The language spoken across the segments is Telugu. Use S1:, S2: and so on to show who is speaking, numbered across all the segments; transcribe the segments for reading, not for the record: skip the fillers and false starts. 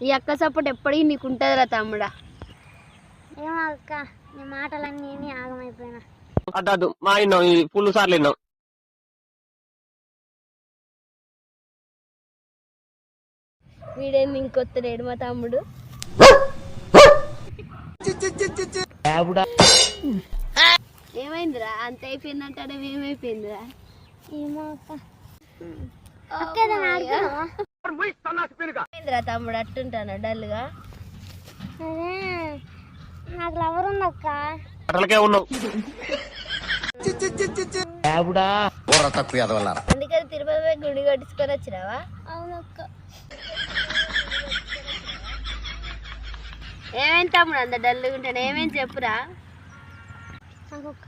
S1: ఈ అక్క సపోర్ట్ ఎప్పటికీ నీకు ఉంటుందిరా తమ్ముడా.
S2: ఏమో అక్క, నీ మాటలన్నీ ఆగమైపోయినా.
S3: అడ్డు మా విన్నాం, ఇది ఫుల్ సార్లు విన్నాం.
S1: వీడేంది ఇంకొత్తలేడు మా తమ్ముడు. ఏమైందిరా అంత అయిపోయిందంటే ఏమైపోయిందిరా?
S2: ఏమో అక్క. అక్క ఏదైనా ఆడుతున్నావా?
S1: ఏమైందిరా తమ్ముడు అట్టుంటాను డల్గా?
S2: అదే నాకు లవర్ ఉంది అక్క.
S3: అట్లకే ఉన్నావు.
S1: అందుకని తిరుపతి పోయి గుడి కట్టించుకొని వచ్చినావా?
S2: అవునక్క.
S1: ఏమైంది తమ్ముడు అంత డల్గా ఉంటాను? ఏమైంది చెప్పురా.
S2: నాకు ఒక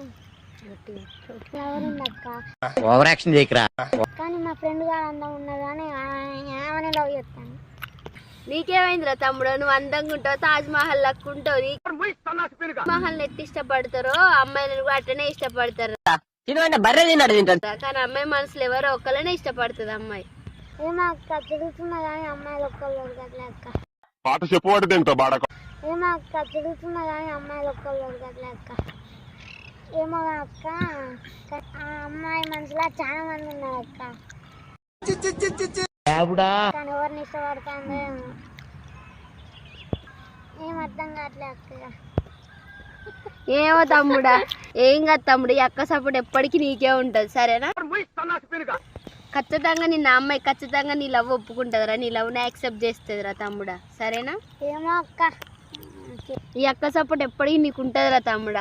S2: లవర్ ఉంది అక్క.
S3: ఓవర్ యాక్షన్ చేయకరా.
S2: కానీ మా ఫ్రెండ్ గారు అందం ఉన్నది అని ఏమని లవ్ చేస్తాను.
S1: నీకేమైందిరా తమ్ముడు? నువ్వు అందంగా ఉంటావు, తాజ్ మహల్ లెక్క ఉంటావు. మహల్ ఎట్టి ఇష్టపడతారో అమ్మాయిలను కూడా అట్టనే ఇష్టపడతారు.
S3: బర్రె తిన్నాడు తింటాడు.
S1: కానీ అమ్మాయి మనసులో ఎవరో ఒక్కళ్ళనే ఇష్టపడుతుంది అమ్మాయి.
S2: ఏమో అక్క తిరుగుతున్నా కానీ అమ్మాయిలు ఒక్కళ్ళు అట్లే అక్క.
S4: పాట చెప్పబడి తింటా బాడక.
S2: ఏమో అక్క తిరుగుతున్నా కానీ అమ్మాయిలు ఒక్కళ్ళు అట్లే అక్క. ఏమో అక్క, ఆ అమ్మాయి మనసులో చాలా మంది ఉన్నారు అక్క. కానీ ఎవరిని ఇష్టపడుతుందో ఏం అర్థం కావట్లే అక్క.
S1: ఏమో తమ్ముడా, ఏం కాదు తమ్ముడు. ఈ అక్క సపోర్ట్ ఎప్పటికీ నీకే ఉంటది, సరేనా? ఖచ్చితంగా నిన్న అమ్మాయి ఖచ్చితంగా నీ లవ్ ఒప్పుకుంటుందిరా, నీ లవ్ని యాక్సెప్ట్ చేస్తుందిరా తమ్ముడా, సరేనా?
S2: ఏమో అక్క.
S1: ఈ అక్క సపోర్ట్ ఎప్పటికీ నీకు ఉంటుందిరా తమ్ముడా.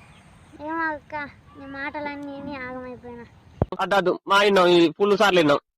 S2: ఏమో అక్క, నీ మాటలన్నీ ఆగమైపోయినా.
S3: అడ్డు మా విన్నాం, ఇది ఫుల్ సార్లు విన్నాం.